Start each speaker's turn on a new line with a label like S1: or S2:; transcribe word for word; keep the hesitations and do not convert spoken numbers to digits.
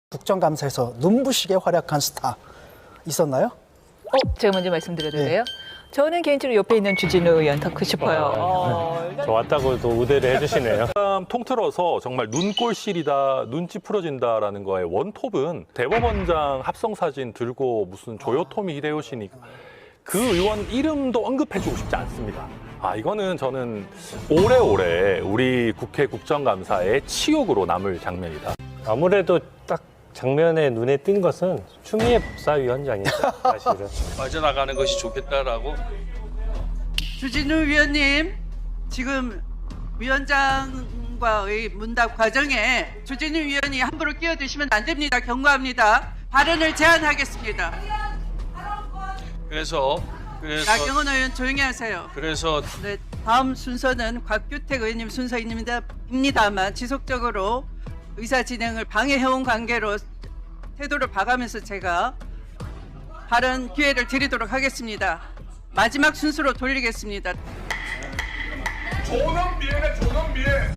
S1: 국정감사에서 눈부시게 활약한 스타 있었나요?
S2: 어, 제가 먼저 말씀드려도 돼요? 저는 개인적으로 옆에 있는 주진우 의원 더 싶어요. 어,
S3: 좋았다고 또 우대를 해주시네요. 통틀어서 정말 눈꼴실이다, 눈치 풀어진다라는 거에 원톱은 대법원장 합성 사진 들고 무슨 조요토미 히데요시니 그 의원 이름도 언급해주고 싶지 않습니다. 아, 이거는 저는 오래오래 우리 국회 국정감사의 치욕으로 남을 장면이다.
S4: 아무래도 딱 장면에 눈에 띈 것은 추미애 법사위원장이죠, 사실은.
S5: 빠져나가는 것이 좋겠다라고.
S6: 주진우 위원님, 지금 위원장과의 문답 과정에 주진우 위원이 함부로 끼어드시면 안 됩니다. 경고합니다. 발언을 제한하겠습니다.
S5: 그래서 그래서
S6: 나경원 의원 조용히 하세요.
S5: 그래서
S6: 네, 다음 순서는 곽규택 의원님 순서입니다. 입니다만 지속적으로 의사 진행을 방해해온 관계로 태도를 봐가면서 제가 발언 기회를 드리도록 하겠습니다. 마지막 순서로 돌리겠습니다.
S7: 조남비에네 조남비에.